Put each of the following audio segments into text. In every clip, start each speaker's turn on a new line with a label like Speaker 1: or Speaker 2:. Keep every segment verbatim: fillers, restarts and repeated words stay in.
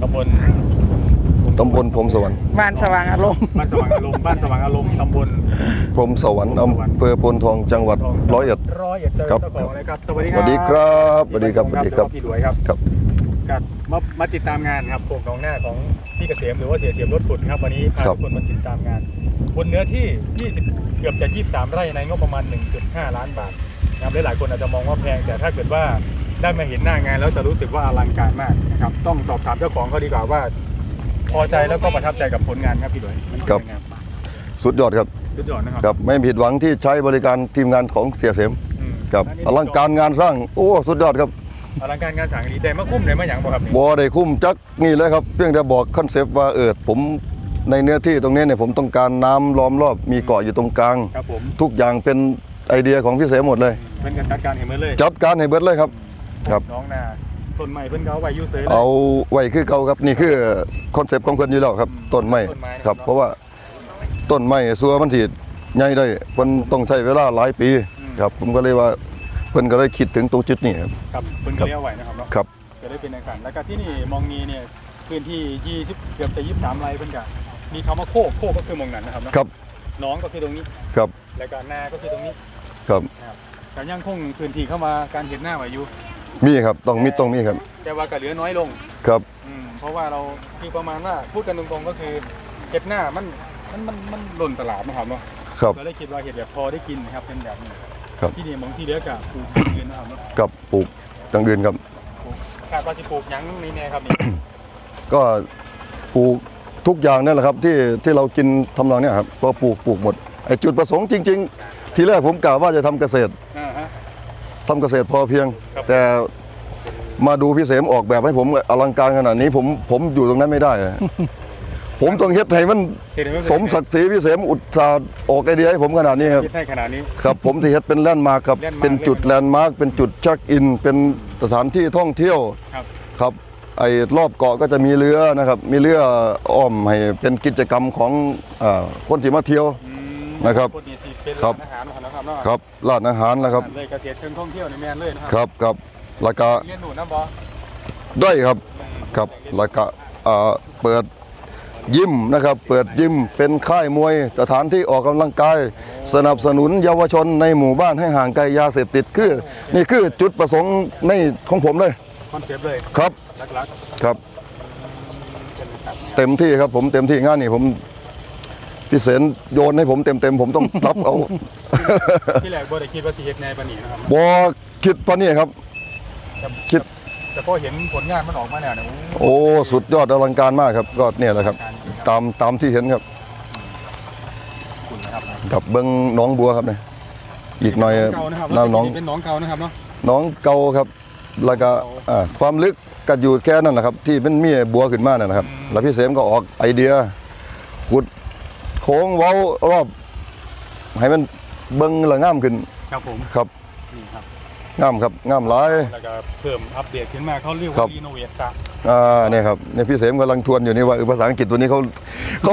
Speaker 1: ตำบล
Speaker 2: ตำบลพรหมสวรรค์
Speaker 3: บ้านสว่างอารมณ์
Speaker 1: บ้านสว่างอารมณ์บ้านสว่างอารมณ์ตำบล
Speaker 2: พรหมสวรรค์อำเภอโพนทองจังหวัดร้อยเอ็ด
Speaker 1: ร้อยเอ็ดเจอเจ้าของเลยครับสวัสดีค
Speaker 2: ส
Speaker 1: รับ
Speaker 2: วัสดีครับสวัสดีครับสวัสดีครับ
Speaker 1: พี่หลวยครับ
Speaker 2: ครับ
Speaker 1: กับมามาติดตามงานครับโป่งหนองหน้าของพี่เกษมหรือว่าเสียเสียมรถขุดครับวันนี้พาทุกคนมาติดตามงานบนเนื้อที่ยี่สิบเกือบจะยี่สิบสามไร่ในงบประมาณ หนึ่งจุดห้า ล้านบาทนะครับหลายๆคนอาจจะมองว่าแพงแต่ถ้าเกิดว่าได้มาเห็นหน้างานแล้วจะรู้สึกว่าอลังการมากนะครับต้องสอบถามเจ้าของเขาดีกว่าว่าพอใจแล้วก็ประทับใจกับผลงานครับพี่หลวยมันเป็นยังไง
Speaker 2: สุดยอดครับ
Speaker 1: สุดยอดนะครับ
Speaker 2: ครับไม่ผิดหวังที่ใช้บริการทีมงานของเสียเสม
Speaker 1: อืม
Speaker 2: ครับอลังการงานสร้างโอ้สุดยอดครับ
Speaker 1: อลังการงานสั่งดีได้มาคุ้มได้มาอย่างบ่ครับนี่
Speaker 2: บอได้คุ้มจักนี่เลยครับเพียงแต่บอกคอนเซปต์ว่าเออผมในเนื้อที่ตรงนี้เนี่ยผมต้องการน้ำล้อมรอบมีเกาะอยู่ตรงกลาง
Speaker 1: ครับผม
Speaker 2: ทุกอย่างเป็นไอเดียของพี่เสมหมดเลย
Speaker 1: เพิ่นกันจัดการเห็นไหมเลย
Speaker 2: จัดการให้เบิดเลยครับ ครับ
Speaker 1: น้องนาต้นไม้เพิ่นเขาไว้อยู่เสยเลย
Speaker 2: เอาไว้คือเก่าครับนี่คือคอนเซปต์ของเพิ่นอยู่แล้วครับ
Speaker 1: อืม
Speaker 2: ต้นไม้
Speaker 1: ต้นไม้นะครับ
Speaker 2: ครับ เพราะว่าต้นไม้สัวมันสิใหญ่ได้เพิ่นต้องใช้เวลาหลายปี
Speaker 1: อืม
Speaker 2: ครับผมก็เลยว่าเพิ่นก็เลยคิดถึงตรงจุดนี้ครับ
Speaker 1: ครับเพิ่นก็เลี้ยวไว้นะครับเนาะ
Speaker 2: ครับ
Speaker 1: จะได้เป็นอาคารแล้วก็ที่นี่มองนีเนี่ยพื้นที่ยี่สิบเกือบจะยี่สิบสามไร่เพิ่นก็มีคำว่าโคกโคกก็คือมองนั้นนะครับเนาะ
Speaker 2: ครับ
Speaker 1: น้องก็คือตรงนี้
Speaker 2: ครับ
Speaker 1: แล้วก็นาก็คือตรงนี้
Speaker 2: ครับ
Speaker 1: นะครับการย่างคงพื้นที่เข้ามาการเห็นหน้าไว้อยู่
Speaker 2: มีครับต้องมีต้องมีครับ
Speaker 1: แต่ว่าก็เหลือน้อยลง
Speaker 2: ครับ
Speaker 1: อืมเพราะว่าเราคือประมาณว่าพูดกันตรงๆก็คือเห็ดหน้ามันมันมันมันหล่นตลาดนะครับเนาะ
Speaker 2: ครับ
Speaker 1: ก็เลยคิดว่าเห็ดแบบพอได้กินนะครับเป็นแบบนี้
Speaker 2: ครับ
Speaker 1: ที่นี่มองที่เหลือกับปลูกอย่างอื่นนะครับเนาะ
Speaker 2: กับปลูกอย่างอื่นครับ
Speaker 1: ปลูกคาดว่าสิปลูกหยังนี่แน่ครับนี่
Speaker 2: ก็ปลูกทุกอย่างนั่นแหละครับที่ที่เรากินทำนองเนี้ยครับก็ปลูกปลูกหมดไอ้จุดประสงค์จริง ๆ ทีแรกผมกล่าวว่าจะทำเกษตร
Speaker 1: อ่าฮะ
Speaker 2: ทำเกษตรพอเพียง
Speaker 1: ครับ
Speaker 2: แต่มาดูพี่เสมออกแบบให้ผมอลังการขนาดนี้ผมผมอยู่ตรงนั้นไม่ได้อะ ผมต้องเฮ็ดให้มัน
Speaker 1: เห็นไหม
Speaker 2: สมศักดิ์ศรีพี่เสมอุตสาห์ออกไอเดียให้ผมขนาดนี้ครับ
Speaker 1: คิดให้ขนาดนี้
Speaker 2: ครับผมที่เฮ็ดเป็นแลนด์มาร์คครับ
Speaker 1: แลนด์มาร์ค
Speaker 2: เป็นจุดแลนด์มาร์คเป็นจุดเช็คอิน เป็นสถานที่ท่องเที่ยว
Speaker 1: ครับ
Speaker 2: ครับไอ้รอบเกาะก็จะมีเรือนะครับ มีเรืออ้อมให้เป็นกิจกรรมของอ่าคนที่มาเที่ยว
Speaker 1: อืม
Speaker 2: นะครับ
Speaker 1: พวกนี้ที่เป็น
Speaker 2: ครั
Speaker 1: ร้า
Speaker 2: บ
Speaker 1: นอาหารนะครับเนาะ
Speaker 2: ครับร้านอาหารนะครับ
Speaker 1: เลยเกษตรเชิงท่องเที่ยวในแมนเลยนะค
Speaker 2: ครับครับแล้วก็
Speaker 1: เรียนหนูนะบอ
Speaker 2: ด้วยครับครับแล้วก็อ่าเปิดยิมนะครับ เปิดยิมเป็นค่ายมวยสถานที่ออกกำลังกาย สนับสนุนเยาวชนในหมู่บ้านให้ห่างไกลยาเสพติดคือนี่คือจุดประสงค์ในของผมเลย
Speaker 1: คอนเซปต์เลย
Speaker 2: ครับ
Speaker 1: ลัก
Speaker 2: ครับ
Speaker 1: ๆเป็นแบบ
Speaker 2: เต็มที่ครับผมเต็มที่งานนี่ผมพี่เสนโยนให้ผมเต็มเต็มๆผมต้องรับเอา
Speaker 1: ที่แรกบ่ได้คิดว่าสิเฮ็ดในปานนี้นะครับ
Speaker 2: บอคิดปะเนี่ยครับ
Speaker 1: แต่
Speaker 2: คิด
Speaker 1: แต่พอเห็นผลงานมันออกมาแล้วเนี่ย
Speaker 2: โอ้สุดยอดอลังการมากครับก็เนี่ยแหละครับ
Speaker 1: การดีครับ
Speaker 2: ตามตามที่เห็นครับ
Speaker 1: คุณนะครับ
Speaker 2: กับเบิ้งหน้องบัวครับเนี่ยอีกหน่อย
Speaker 1: เก่านะครับ
Speaker 2: น้ำหน้อง
Speaker 1: เป็นหน้องเก่านะครับเนาะ
Speaker 2: หน้องเก่าครับ แล้วก็อ่าความลึกก็อยู่แค่นั้นแหละครับ ที่เป็นเมียบัวขึ้นมานั่นนะครับ แล้วพี่เสมก็ออกไอเดียขุดโค้งเว้ารอบให้มันเบิ้งและง่ามขึ้น
Speaker 1: ครับผม
Speaker 2: ครับ
Speaker 1: นี่ครับ
Speaker 2: ง่ามครับง่ามหลาย
Speaker 1: แล้วก็เพิ่มอัปเดตขึ้นมาเขาเรียก
Speaker 2: ครั
Speaker 1: ว่า
Speaker 2: บ
Speaker 1: รีโนเวทซะ
Speaker 2: อ่าเนี่ยครับเนี่ยพี่เสมกำลังทวนอยู่นี่ว่าเออภาษาอังกฤษตัวนี้เขาเขา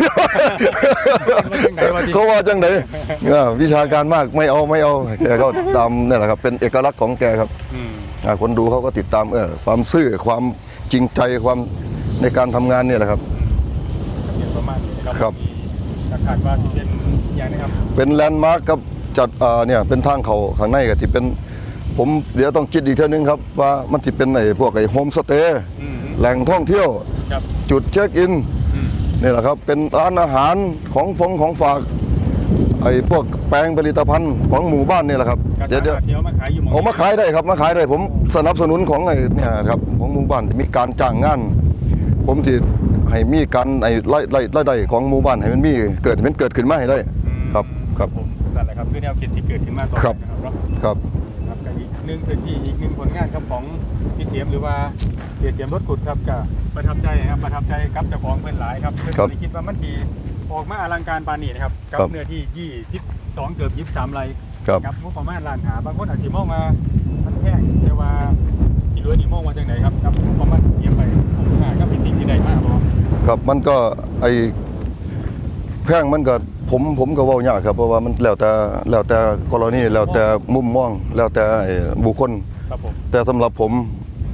Speaker 2: เขาว่าจังไดเออวิชาการมากไม่เอาไม่เอาแกก็ตามนี่แหละครับเป็นเอกลักษณ์ของแกครับ
Speaker 1: อืม
Speaker 2: อ่าคนดูเขาก็ติดตามเออความซื่อความจริงใจความในการทำงานเนี่ยแหละครับ
Speaker 1: เห็นประมาณนี้นะค
Speaker 2: ครั
Speaker 1: รับ มีคาดว่าที่เป็นอย่างนี้ครับ
Speaker 2: เป็นแลนด์มาร์คครับจัดอ่าเนี่ยเป็นทางเขาข้างในก็ที่เป็นผมเดี๋ยวต้องคิดอีกเท่านึงครับว่ามันจะเป็นไอ้พวกไอ้โฮมสเตย์
Speaker 1: อืม
Speaker 2: แหล่งท่องเที่ยว
Speaker 1: ครับ
Speaker 2: จุดเช็คอิน
Speaker 1: อืม
Speaker 2: นี่แหละครับเป็นร้านอาหารของฟงของฝากไอ้พวกแปลงผลิตภัณฑ์ของหมู่บ้านนี่แหละครับ
Speaker 1: ก็
Speaker 2: เดี๋ยว
Speaker 1: สา
Speaker 2: เดี๋ยว
Speaker 1: มารถเที่ยวมาขายอยู่หมอง
Speaker 2: เอามาขายได้ครับมาขายได้ผมสนับสนุนของไอ้เนี่ยครับของหมู่บ้านมีการจ้างงาน ผมที่ให้มีการไอ้ไล่ไล่ไล่ได้ของหมู่บ้านให้มันมีเกิดให้มันเกิดขึ้นมาให้ได้
Speaker 1: อืม
Speaker 2: ครับครับ
Speaker 1: ผมนั่นแหละครับคือแนวคิดที่เกิดขึ้นมาตอน
Speaker 2: ครับ
Speaker 1: นั้นนะครับเนาะ
Speaker 2: ครับ
Speaker 1: ครับกับอีกหนึ่งพื้นที่อีกหนึ่งผลงานครับของพี่เสียมหรือว่าเสียเสียมรถขุดครับก็ประทับใจครับประทับใจกับเจ้าของเพื่อนหลายครับเพื่อนไม่ได้คิดว่ามันสีออกมาอลังการปานนี้นะครับกับเนื้อที่ยี่สิบสองเกือบยี่สิบสามไร่
Speaker 2: ครับ
Speaker 1: ครับงบประมาณล้านหาบางคนอาจจะมองมามันแพงแต่ว่าพี่รวยนี่มองว่าจังไหนครับกับงบประมาณเสียไปผมว่าก็เป็นสิ่งที่ได้มากพอ
Speaker 2: ครับมันก็ไอ้แพงมันก็ผมผมก็เว้ายากครับเพราะว่ามันแล้วแต่แล้วแต่กรณีแล้วแต่มุมมองแล้วแต่ไอ้บุคคล
Speaker 1: ครับผม
Speaker 2: แต่สำหรับผม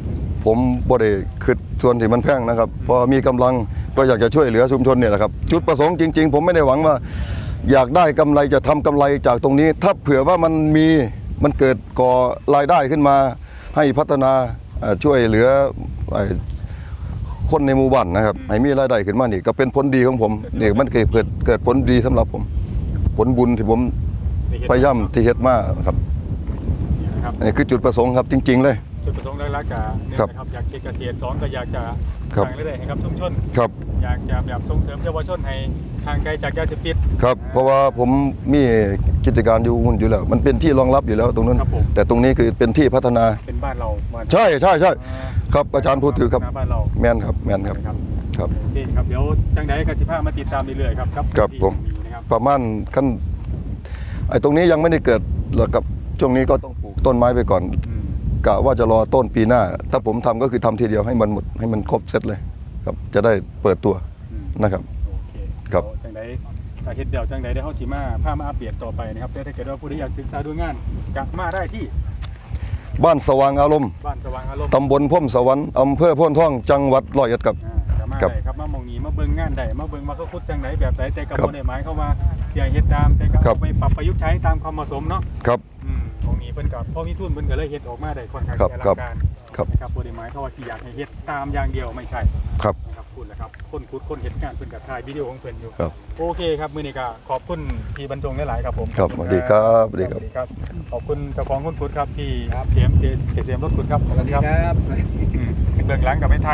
Speaker 2: ผมบ่ได้คิดส่วนที่มันแพงนะครับพอมีกำลังก็อยากจะช่วยเหลือชุมชนเนี่ยแหละครับจุดประสงค์จริงๆผมไม่ได้หวังว่าอยากได้กำไรจะทำกำไรจากตรงนี้ ถ้าเผื่อว่ามันมีมันเกิดก่อรายได้ขึ้นมาให้พัฒนาเอ่อช่วยเหลือไอ้คนในหมู่บ้านนะครับให้มีรายได้ขึ้นมานี่ก็เป็นผลดีของผมนี่มันเกิดเกิดเกิดผลดีสำหรับผม ผลบุญที่ผมพยายามที่เฮ็ดมาครับ
Speaker 1: นี่นะครับ
Speaker 2: อันนี้คือจุดประสงค์ครับจริง ๆ เลย
Speaker 1: จุดประสงค์หลักๆก็เนี่ย
Speaker 2: ครับ
Speaker 1: นะครับอยากเก็บเกษตรสองก็อยากจะ
Speaker 2: ครับ
Speaker 1: สร้างรายได้ให้กับชุมชน
Speaker 2: ครับ
Speaker 1: อยากจะแบบส่งเสริมเยาวชนให้ห่างไกลจากยาเสพติด
Speaker 2: ครับเพราะว่าผมมีกิจการอยู่หุ่นอยู่แล้ว มันเป็นที่รองรับอยู่แล้วตรงนั้น
Speaker 1: ครับผม
Speaker 2: แต่ตรงนี้คือเป็นที่พัฒนา
Speaker 1: เป็นบ้านเราบ้าน
Speaker 2: ใช่ใช่ใช่
Speaker 1: อ่า
Speaker 2: ครับอาจารย์พูดถือครับ
Speaker 1: บ้านเรา
Speaker 2: แม่นครับแม่นครับ
Speaker 1: ครับ
Speaker 2: ครับ
Speaker 1: โอเคครับเดี๋ยวจังใดกสิภามาติดตามเรื่อยๆครับครับ
Speaker 2: ครับ
Speaker 1: ที่
Speaker 2: ผม
Speaker 1: นะครับ
Speaker 2: ประมาณขั้นไอ้ตรงนี้ยังไม่ได้เกิดหรอกครับช่วงนี้ก็ต้องปลูกต้นไม้ไปก่อน
Speaker 1: อืม
Speaker 2: กะว่าจะรอต้นปีหน้า ถ้าผมทำก็คือทำทีเดียวให้มันหมดให้มันครบเซตเลยครับจะได้เปิดตัว
Speaker 1: อืม
Speaker 2: นะครับ
Speaker 1: โอเค
Speaker 2: ครับ
Speaker 1: เดี๋ยวจังใดถ้าเฮ็ดเดี่ยวจังใดได้เฮาสิมาพามาอัปเดตต่อไปนะครับแต่ถ้าเกิดว่าผู้ที่อยากศึกษาดูงานกลับมาได้ที่
Speaker 2: บ้านสว่างอารมณ์
Speaker 1: บ้านสว่างอารมณ์
Speaker 2: ตำบลพ่มสวรรค์อำเภอโพ้นท่องจังหวัดร้อยเอ็ดครับ
Speaker 1: อ่ากลับมา
Speaker 2: ครับ
Speaker 1: ได้ครับมามองนี้มาเบิ่งงานได้มาเบิ่งว่าเขาคุดจังไหนแบบไหนแต่กับ
Speaker 2: ครับ
Speaker 1: บ่ได้หมายเข้ามาเสียเฮ็ดตามแต่ก็
Speaker 2: ครับ
Speaker 1: เอาไปปรับประยุกต์ใช้ตามความเหมาะสมเนาะ
Speaker 2: ครับ
Speaker 1: อืมตรงนี้เพิ่นก็พอมีทุนเพิ่นก็เลยเฮ็ดออกมาได้ค่อนข้าง
Speaker 2: ครับ
Speaker 1: จะอลั
Speaker 2: ครับ
Speaker 1: งการ
Speaker 2: ครับ
Speaker 1: นะครับบ่ได้หมายเข้าว่าสิอยากให้เฮ็ดตามอย่างเดียวไม่ใช่
Speaker 2: ครับ
Speaker 1: นะครับพูดแล้วครับคนคุดคนเฮ็ดงานเพิ่นก็ถ่ายวิดีโอของเพิ่นอยู่
Speaker 2: ครับ
Speaker 1: โอเคครับมื้อนี้ก็ขอบคุณพี่บรรจงหลายๆครับผม
Speaker 2: ครับสวัสดีครับสวัสดีครับ
Speaker 1: สวัสดีครับขอบคุณเจ้าของคนคุดครับที่เสียมเสียมรถคุดครับ
Speaker 3: สวัสดีครับ
Speaker 1: อืมเบื้องหลังกับไม่ทาย